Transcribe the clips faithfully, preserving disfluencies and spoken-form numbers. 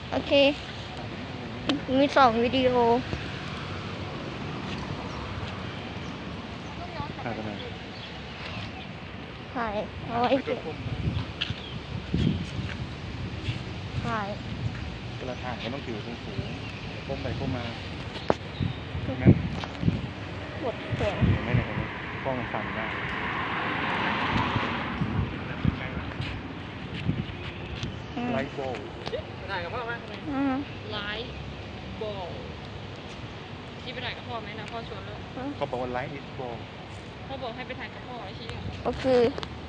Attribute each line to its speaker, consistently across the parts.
Speaker 1: โอเคมีสองวิดีโอ
Speaker 2: ถ่ายไปไหน
Speaker 1: ถ่ายเอาไว้เก็บถ่าย
Speaker 2: เวลาถ่ายก็ต้องถือสูงสูงก้มไปก้มมาแม่น
Speaker 1: กดเสียง
Speaker 2: เห็นไหมเนี่ยตรงนี้กล้องสั่นได้ไลท์โบว์
Speaker 3: ถ่ายกับพ่อไหมไลท์โบว์ที่ไปถ่ายกับพ่อไหมนะพ่อชวนเลย
Speaker 2: เขาบอกว่าไลท์อิสโบว์
Speaker 3: พ่อบอกให้ไปถ่ายกับพ่อไอ้ชี้
Speaker 1: ก็คือ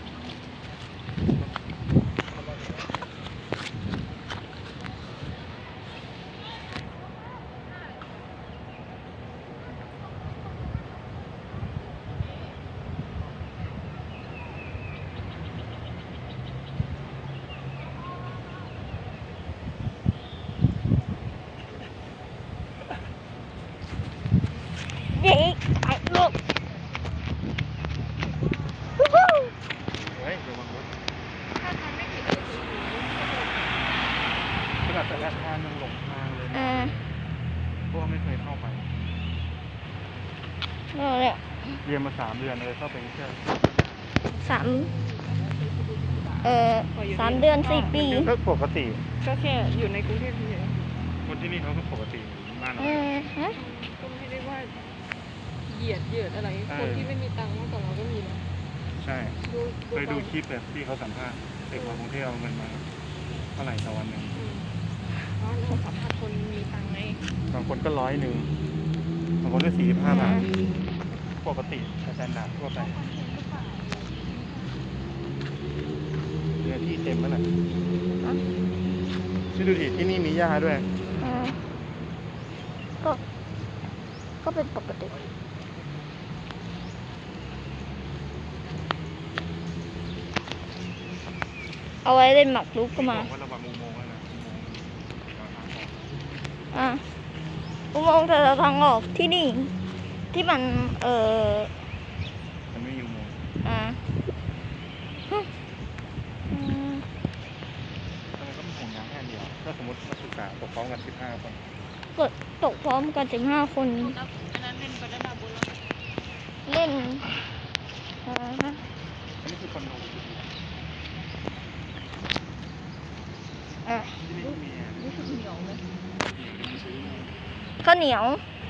Speaker 1: เย้ไอ้ลูก
Speaker 2: เฮ้ยระวังรถ
Speaker 3: ถ้าทำไม่ผิดก็คือ
Speaker 2: ขนาดแต่ละทางยังหลงทางเลยนะเพราะว่าไม่เคยเข้าไป
Speaker 1: นั่นแหละ
Speaker 2: เรียนมาสามเดือนเลยเข้าไปแค่
Speaker 1: สามเอ่อสามเดือนสี่ปี
Speaker 2: ก็ปกติ
Speaker 3: ก็แค่อยู่ในกรุงเทพเฉย
Speaker 2: คนที่นี่เขาก็ปกติบ้านเรา
Speaker 3: ก็ไม่ได้ว่าเหยียดเหยียดอะไรคนที่ไม่มีตังค์มากกว่าเราก็มีนะ
Speaker 2: ใช่เคยดูคลิปแบบที่เขาสัมภาษณ์เด็กมากรุงเทพเอาเงินมาเท่าไหร่ต่อวันหนึ่ง
Speaker 3: เพราะเราสัมภาษณ์คนมีตังค์ไง
Speaker 2: บางคนก็ร้อยหนึ่งบางคนก็สี่สิบห้าบาทปกติอาจารย์ด่าทั่วไปเนื้อที่เต็มแล้วแหละที่ดูดิที่นี่มีหญ้าด้วย
Speaker 1: ก็ก็เป็นปกติเอาไว้เล่นหมากรุกก็มาอ่ะอุโมงค์แต่ละทางออกที่นี่ที่มันเออ
Speaker 2: มันไม่อยู่อุโมงค์
Speaker 1: อ่ะ
Speaker 2: ทำไมก็มีห่วงยางแค่เดียวถ้าสมมตินักศึกษาตกพร้อมกันสิบห้าคน
Speaker 1: เกิดตกพร้อมกันสิบห้าคน
Speaker 3: อันนั้นเล่นไปได้ดาบุญแล้ว
Speaker 1: เล่น
Speaker 2: อันนี้คือคอนโด
Speaker 1: อ่ะ
Speaker 3: รู้สึกเหนียวเลย
Speaker 1: ข้าวเหนียว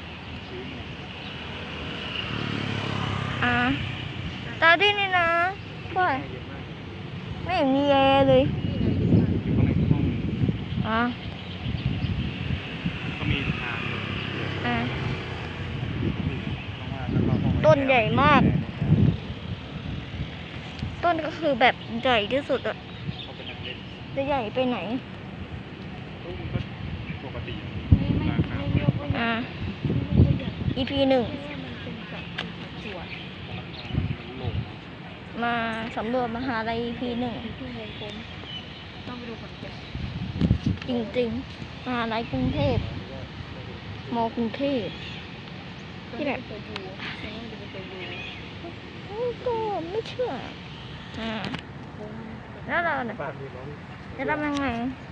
Speaker 1: อ่ะตาดีนี่นะพ่อยไม่เห็นมีแอร์เลยอ่ะ
Speaker 2: ก็มีทาง
Speaker 1: อ่ะต้นใหญ่มากต้นก็คือแบบใหญ่ที่สุดอ่ะจะใหญ่ไปไหน
Speaker 2: ปกติ
Speaker 1: อ่า อี พี หนึ่งมาสำรวจมหาลัย อี พี หนึ่งจริงๆมหาลัยกรุงเทพมอกรุงเทพที่แบบก็ไม่เชื่ออ่าแล้วเราเนี่ยจะทำยังไง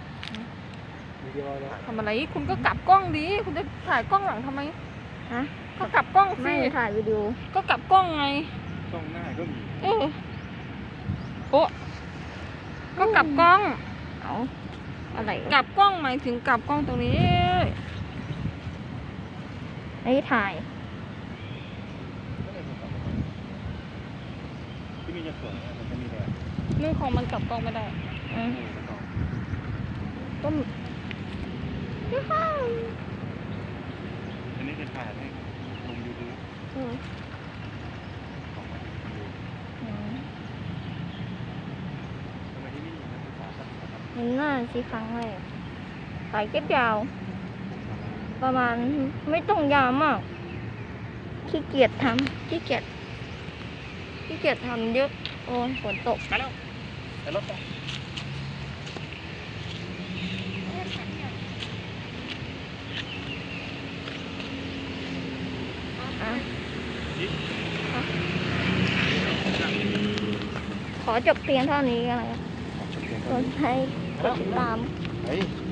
Speaker 3: ทำอะไรคุณก็กลับกล้องดิคุณจะถ่ายกล้องหลังทำไม
Speaker 1: ฮะ
Speaker 3: ก็กลับกล้องสิ
Speaker 1: ไม่ถ่ายวิดีโอ
Speaker 3: ก็กลับกล้องไง
Speaker 2: กล้องหน้าก็มี
Speaker 3: เออโอ้ก็กลับกล้อง
Speaker 1: เอาอะไร
Speaker 3: กลับกล้องหมายถึงกลับกล้องตรงนี้
Speaker 1: ไอ้ถ่าย
Speaker 2: ที่มีจะสวยมันจะมีแดด
Speaker 3: เรื่องของมันกลับกล้องไม่ได้
Speaker 1: อืมก็
Speaker 2: อันนี้เป็นถ่ายให้ลงยูทูบของมันดูทำไมที่นี่มีนักศึกษาครับ
Speaker 1: เห็นหน้าสิครั้งแรกสายเก็บยาวประมาณไม่ต้องยาวมากขี้เกียจทำขี้เกียจขี้เกียจทำเยอะโอ้ยฝนตก
Speaker 2: ไปแล้วไปรถไป
Speaker 1: ขอจบเพียงเท่านี้กันเลยกดให้กดติดตาม